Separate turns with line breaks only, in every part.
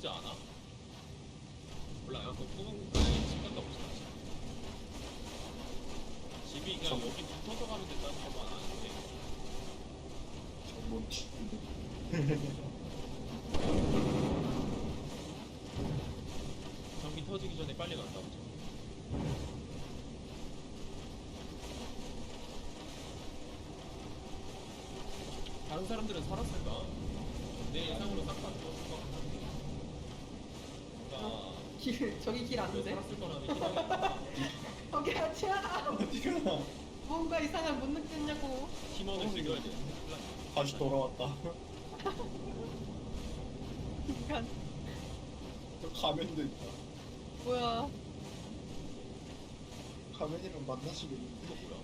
보이지 않아? 몰라요. 그 꿈은 아예 집 갔다 봅시다. 집이 그냥 여기 붙어서 가면 된다는 것만 아는데.
저뭐 뒤인데.
전기 터지기 전에 빨리 갔다 오자. 다른 사람들은 살았을까? 내 예상으로 싹 다 죽었을 것 같은데. 그러니까
저기 길
왜
아닌데?
살았을 거라는 희망이
거기 아치야.
어디가?
뭔가 이상한 못 느꼈냐고.
팀원을 즐겨야 돼.
다시 돌아왔다.
인간
저 가면도 있다.
뭐야?
가면이랑 만나시겠는데.
이거 뭐야?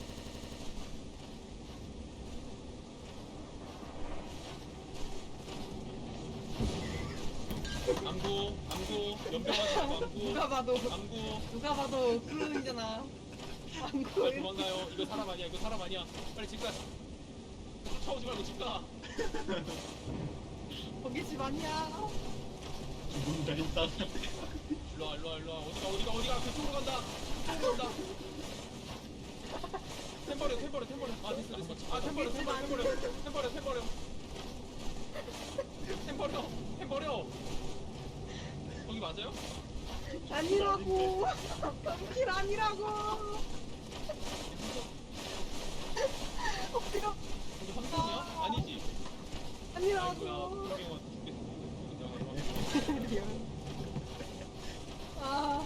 안구, 연병하지 말고 안구.
누가 봐도 클론이잖아. 안구.
빨리 도망가요. 이거 사람 아니야. 이거 사람 아니야. 빨리 집 가. 쫓아오지 말고 집 가.
거기 집 아니야.
죽는다 일단.
일로와. 어디가. 그쪽으로 간다. 템버려. 아, 됐어. 아, 템버려. 거기 맞아요?
아니라고. 거기 길 아니라고. 어디가?
거기 함정이야? 아니지.
아니라고.
아이고야. 분명한테 죽겠어.
아.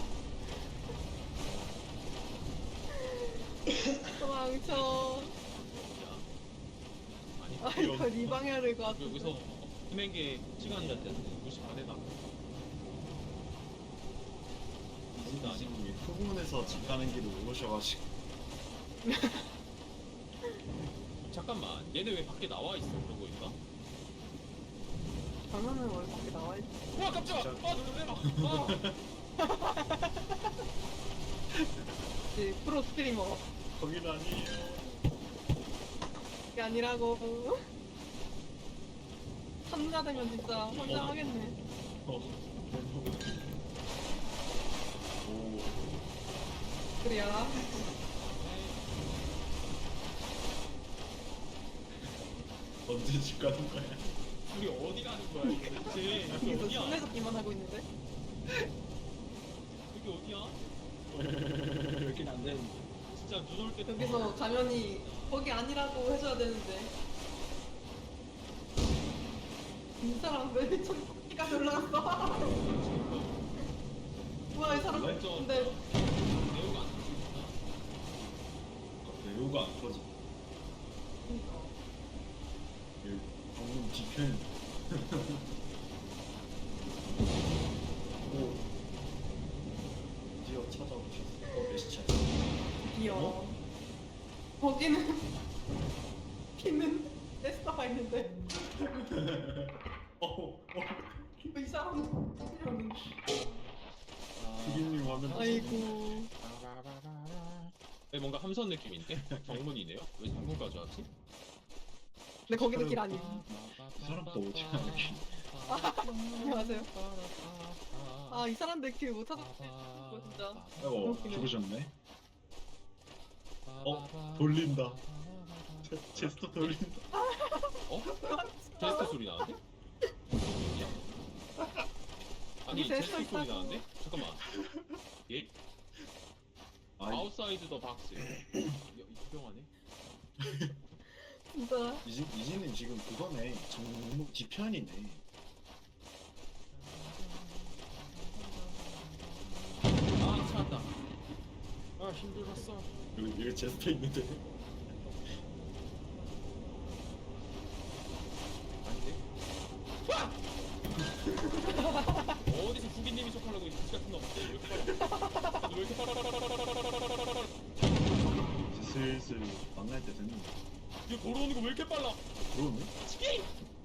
도망쳐. 아, 이거 네 방향을 가.
여기서 금행계 시간이 안 됐는데 2시 반에다.
이진이 후문에서 집 가는 길을 오셔가지고.
잠깐만, 얘네 왜 밖에 나와 있어? 그러고 있나?
장난은 원래 밖에 나와 있지.
와, 깜짝아! 아, 놀래라!
프로 스트리머.
거긴 아니에요.
그게 아니라고. 참가 되면 진짜 환장하겠네.
오.
그래야.
언제 집 가는 거야?
우리 어디 가는 거야, 이거 대체? 여기
여기서
어디야?
손에서 기만 하고 있는데.
여기 어디야?
여긴 안 되는데.
진짜 눈 올 때
여기서 가면이 거기 아니라고 해줘야 되는데. 이 사람 왜 미쳤기까지 올라갔어? 뭐야 이 사람?
완전
근데
내용이 안 터지구나.
배우가 안 터지. 방금 뒤편. 오. 드디어 찾아오셨어. 메시차.
드디어 거기는 피는 레스터가 있는데 이 사람
피디님 화면.
아이고
네, 뭔가 함선 느낌인데? 정문이네요? 왜 정문까지 왔지?
근데 거기는 길 아님.
이 사람도 어디 가는 길.
안녕하세요. 아 이 사람들 길 못 찾았어 진짜.
아이고 죽으셨네. 돌린다. 제스터 돌린다.
어? 제스트 소리 나는데? 아니,
여기 제스트
제스트 소리
있다고.
나는데? 잠깐만. 예? 아웃사이드 더 박스. 유명하네.
진짜
이진님 지금 그거네. 정문 뒤편이네.
아, 찾았다. 아, 힘들었어.
여기 제스터 있는데.
아닌데? 어디서 후기님이 척하려고 이 부시 같은 놈. 왜 이렇게 빨라?
이제 슬슬 만날 때 됐는데.
이거 걸어오는 거 왜 이렇게 빨라?
그러네?
치킨!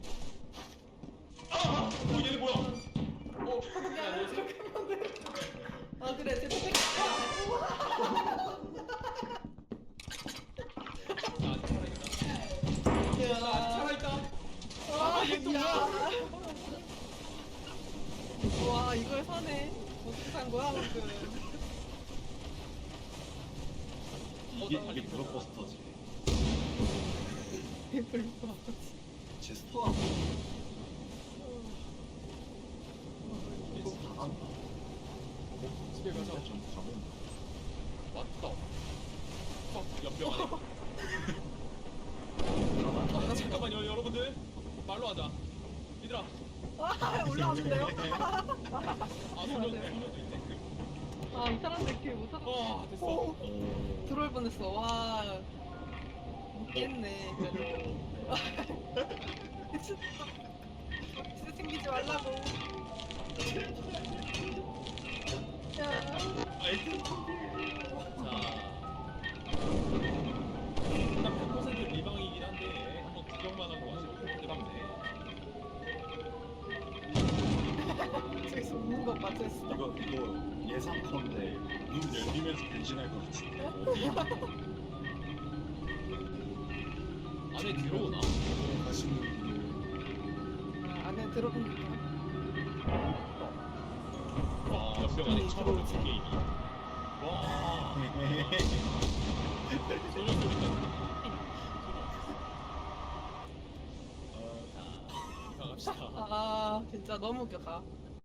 아! 얘네 뭐야?
야 이렇게 하면 돼. 아 그래 제 tek.
나 아직 살아있다. 나 아직
야.
살아있다.
아,
얘 또
야. 와 이걸 사네. 어떻게 산 거야 방금?
이게 블록버스터지.
배불러.
제스퍼가 뭐 잘한다.
집에 가자.
진짜 좀 가면
왔다. 연병. 잠깐만요, 여러분들. 말로 하자. 얘들아.
아 올라왔는데요?
소녀도 있네.
아 이 사람들 길 못하다.
됐어.
오, 들어올 뻔했어. 와 못겠네. 진짜 챙기지 말라고. 야.
아이템 자. 일단 100% 리방이긴 한데 한번 구경만 하고 와서 뜨겁네.
저기서 웃는 거 맞았어.
이거 예상컨대 문 열리면서 변신할 것 같은데.
안에 들어오나?
가시는
안에 들어보니까.
와, 연병 안에 처음 그 게임이. 와. 소녀 소리가. 자, 갑시다.
아 진짜 너무 웃겼다.